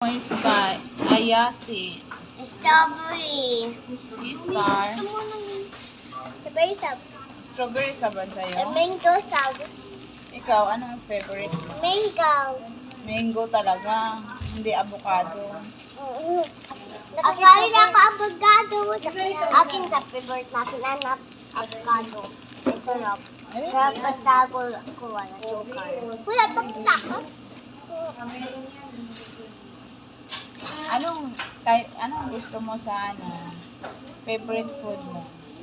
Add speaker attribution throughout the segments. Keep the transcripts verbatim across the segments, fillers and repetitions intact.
Speaker 1: Sky, Ayasi,
Speaker 2: Strawberry.
Speaker 1: si Star,
Speaker 2: Strawberry sab.
Speaker 1: strawberry saban sa'yo.
Speaker 2: Mango sab.
Speaker 1: Ikaw, anong favorite mo?
Speaker 2: Mango.
Speaker 1: Mango talaga, hindi avocado.
Speaker 2: Nakakain lang ako avocado. Akin sa favorite natin anak, avocado. Ang sarap.
Speaker 1: Ay,
Speaker 2: Sarap at sabol ko wala sugar. Wala pang tako.
Speaker 1: Anong, type, anong gusto mo sa ano? Favorite food mo?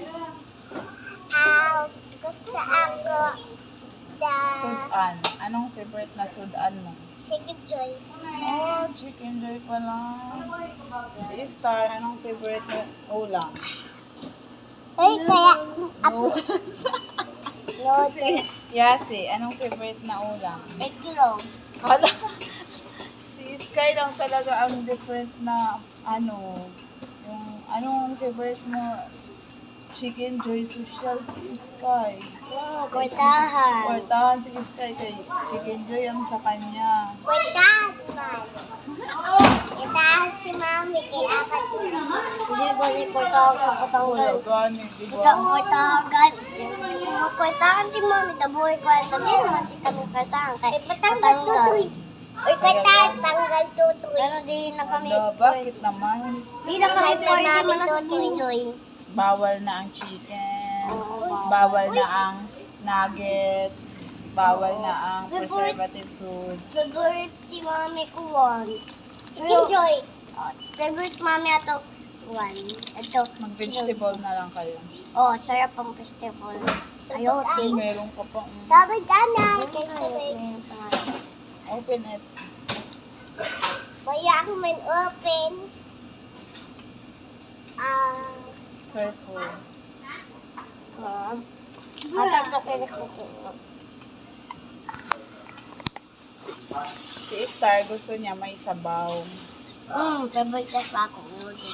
Speaker 2: Ah, gusto ako the
Speaker 1: Sudan. Anong favorite na sudan mo?
Speaker 2: chicken joy.
Speaker 1: Oh, chicken joy pala. Si Star, anong favorite na ulam?
Speaker 2: Ay, kaya
Speaker 1: Noodles.
Speaker 2: noodles.
Speaker 1: Yasi, anong favorite na ulam?
Speaker 2: Egg roll.
Speaker 1: Hala, si Sky lang talaga ang different na ano, yung anong favorite mo? Chicken Joy Social si Sky.
Speaker 2: Mm, kwartahan.
Speaker 1: Kwartahan si Sky kay Chicken Joy ang sa kanya.
Speaker 2: Kwartahan man. Kwartahan si mami kay akat. Hindi ba ni kwartahan sa
Speaker 1: Wala
Speaker 2: katanggal?
Speaker 1: gani, di
Speaker 2: Ito
Speaker 1: ba?
Speaker 2: kwartahan guys. Kwartahan si mami, tabuhay kwarta. Hindi naman si kami kwartahan. Kay patanggal tutoy. Uy, kwartahan, tanggal tutoy. Pero di na kami.
Speaker 1: Hala, bakit naman?
Speaker 2: Di na kami pwede manaskin joy.
Speaker 1: Bawal na ang chicken, bawal na ang nuggets, bawal na ang preservative foods.
Speaker 2: Favorite si mami ko one. Chicken joy. Favorite mami ato one. Ito.
Speaker 1: Mag-vegetable na lang kayo.
Speaker 2: Oh, sarap ang festival. Ayote.
Speaker 1: Meron ka pa. mm,
Speaker 2: Dapat ganay.
Speaker 1: Open it.
Speaker 2: Kaya ako man open. Ah.
Speaker 1: Careful.
Speaker 2: Ah. Atang to kaya ko.
Speaker 1: Si Star gusto niya may sabaw.
Speaker 2: Hmm, favorite ka pa ako.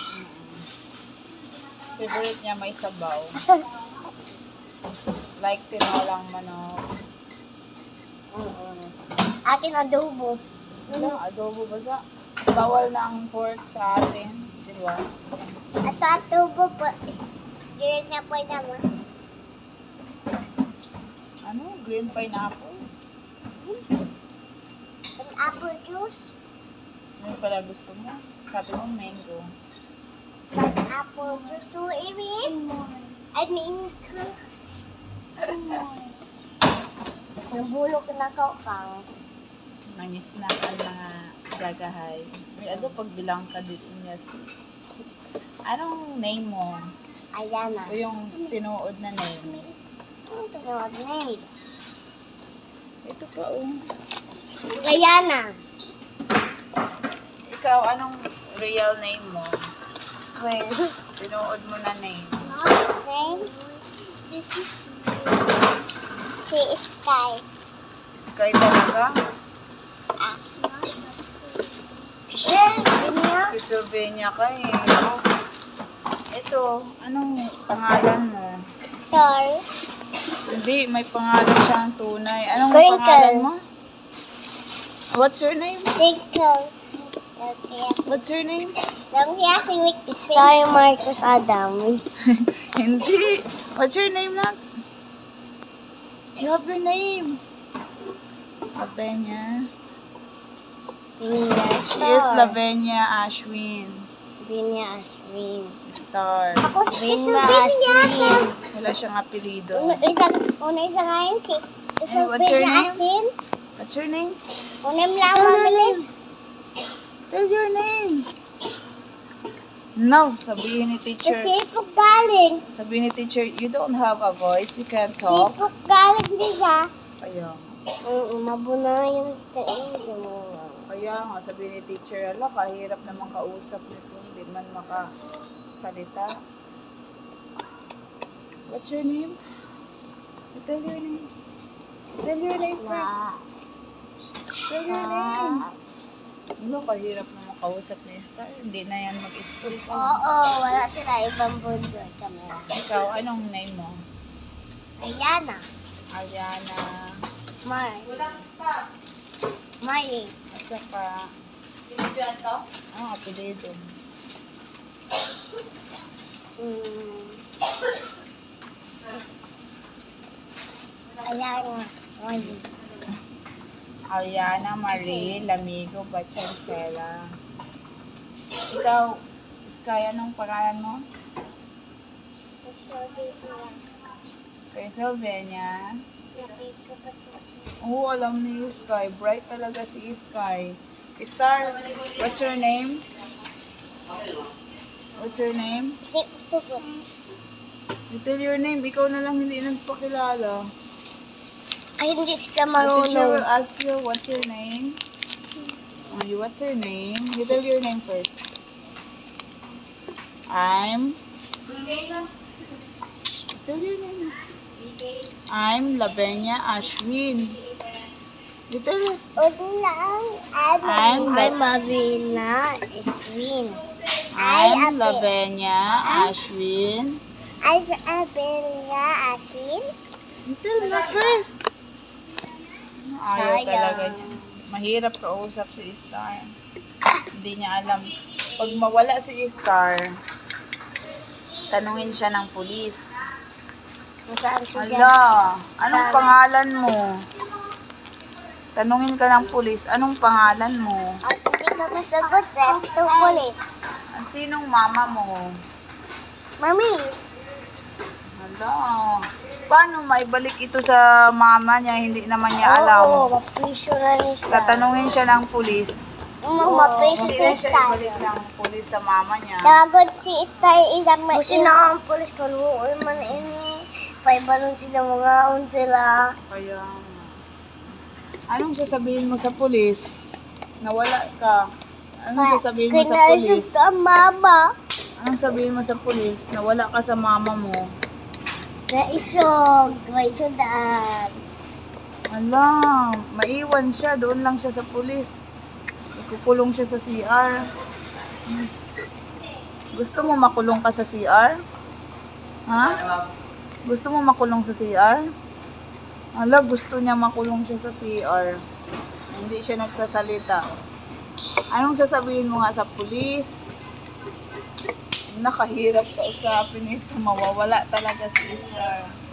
Speaker 1: Favorite niya may sabaw. Like tinolang manok.
Speaker 2: Akin adobo.
Speaker 1: Ano, adobo ba sa? Bawal na ang pork sa atin. Di ba?
Speaker 2: Ito adobo po. Ganyan niya po naman.
Speaker 1: Ano? Green pineapple?
Speaker 2: Ang apple juice.
Speaker 1: Ano pala gusto mo? Sabi mo mango.
Speaker 2: Ang apple juice. So, Irin. I mean, nabulok na ko kang.
Speaker 1: Nangis na ang mga jagahay. May aso pagbilang ka dito niya si... Anong name mo?
Speaker 2: Ayan na.
Speaker 1: O yung tinuod na name?
Speaker 2: Ito na name.
Speaker 1: Ito pa oh.
Speaker 2: Ayan na.
Speaker 1: Ikaw, anong real name mo?
Speaker 2: Well,
Speaker 1: Tinuod mo na name.
Speaker 2: name. This is si Sky.
Speaker 1: Sky talaga?
Speaker 2: Ah. Shell, niya.
Speaker 1: Pennsylvania ka eh. Ito, anong pangalan mo?
Speaker 2: Star.
Speaker 1: Hindi, may pangalan siyang tunay. Anong
Speaker 2: Crinkle.
Speaker 1: pangalan mo? What's your name?
Speaker 2: Twinkle. Okay.
Speaker 1: What's your name?
Speaker 2: Lang siya si Wick. Sky Marcus Adam.
Speaker 1: Hindi. What's your name lang? You have your name. Lavenia.
Speaker 2: Vinya
Speaker 1: She is Lavenia Ashwin.
Speaker 2: Vinya Aswin.
Speaker 1: Star.
Speaker 2: Ako si Vinya Aswin.
Speaker 1: Wala siyang apelido.
Speaker 2: Una isa, una isa nga yun si
Speaker 1: Eh, what's your
Speaker 2: Vinya
Speaker 1: name?
Speaker 2: Aswin.
Speaker 1: What's your name?
Speaker 2: Unem lang
Speaker 1: Tell your
Speaker 2: mabilis.
Speaker 1: name. Tell your name. No, sabihin ni teacher.
Speaker 2: Kasi pag galing.
Speaker 1: Sabihin ni teacher, you don't have a voice, you can't talk.
Speaker 2: Sipok galing siya.
Speaker 1: Kaya,
Speaker 2: Oo, mabuna yung kainin mo.
Speaker 1: kaya nga, sabihin ni teacher, ala, kahirap naman kausap nito, hindi man makasalita. What's your name? Tell your name. Tell your name first. Tell your name. Ano, kahirap naman kausap ni Star. Hindi na yan mag-school pa.
Speaker 2: Oo, wala sila ibang bunjoy camera.
Speaker 1: Ikaw, anong name mo?
Speaker 2: Ayan na.
Speaker 1: Ariana.
Speaker 2: Mar. Marley.
Speaker 1: At saka, Ah, apelido.
Speaker 2: Hmm. Ayan nga. Ayun.
Speaker 1: Aliana Marie Lamigo Bachancela. Ikaw, Sky, anong pangalan mo?
Speaker 2: Sabi ko lang.
Speaker 1: Persylvania.
Speaker 2: Sabi ko pa sa
Speaker 1: Oo, alam ni Sky. Bright talaga si Sky. Star, what's your name? What's your name?
Speaker 2: Hindi ko sugot.
Speaker 1: You tell your name. Ikaw na lang hindi nagpakilala.
Speaker 2: Ay, hindi siya
Speaker 1: The teacher will
Speaker 2: marunong.
Speaker 1: ask you, what's your name? Oh, you, what's your name? You tell your name first. I'm... Tell your name. I'm Lavenia Ashwin. You tell it.
Speaker 2: Ulo lang. I'm,
Speaker 1: I'm
Speaker 2: I'm Marina Iswin.
Speaker 1: I'm Lavenia Ashwin.
Speaker 2: I'm Abelia Asin.
Speaker 1: You tell na first. Ayaw
Speaker 2: Sayang.
Speaker 1: talaga niya. Mahirap kausap si Star. Hindi niya alam. Pag mawala si Star, tanungin siya ng pulis.
Speaker 2: Nasaan siya dyan?
Speaker 1: Ala, anong
Speaker 2: Saan?
Speaker 1: pangalan mo? Tanungin ka ng pulis, anong pangalan mo?
Speaker 2: At hindi ka masagot sa ito polis.
Speaker 1: Ah, Sinong mama mo?
Speaker 2: Mamis.
Speaker 1: Hala, paano maibalik ito sa mama niya? Hindi naman niya alam.
Speaker 2: Oo, mapisyo na niya siya.
Speaker 1: Tatanungin siya ng pulis.
Speaker 2: Oo, mapisyo
Speaker 1: Hindi
Speaker 2: si
Speaker 1: na siya
Speaker 2: Star.
Speaker 1: ibalik ng pulis sa mama niya.
Speaker 2: Tawagod si Star ilang may Kasi na ang polis ko, noon man ini. Paibalon sila mga on sila.
Speaker 1: Kaya, anong sasabihin mo sa pulis? Nawala ka. Anong sasabihin mo sa pulis?
Speaker 2: Kinaisip ka, mama.
Speaker 1: Anong sabihin mo sa pulis? Nawala ka sa mama mo.
Speaker 2: Naisog, may sudaan.
Speaker 1: Ala, maiwan siya. Doon lang siya sa pulis. Ikukulong siya sa C R. Hmm. Gusto mo makulong ka sa C R? Ha? Gusto mo makulong sa C R? Ala, gusto niya makulong siya sa C R. Hindi siya nagsasalita. Anong sasabihin mo nga sa pulis? Nakahirap kausapin ito. Mawawala talaga si Star.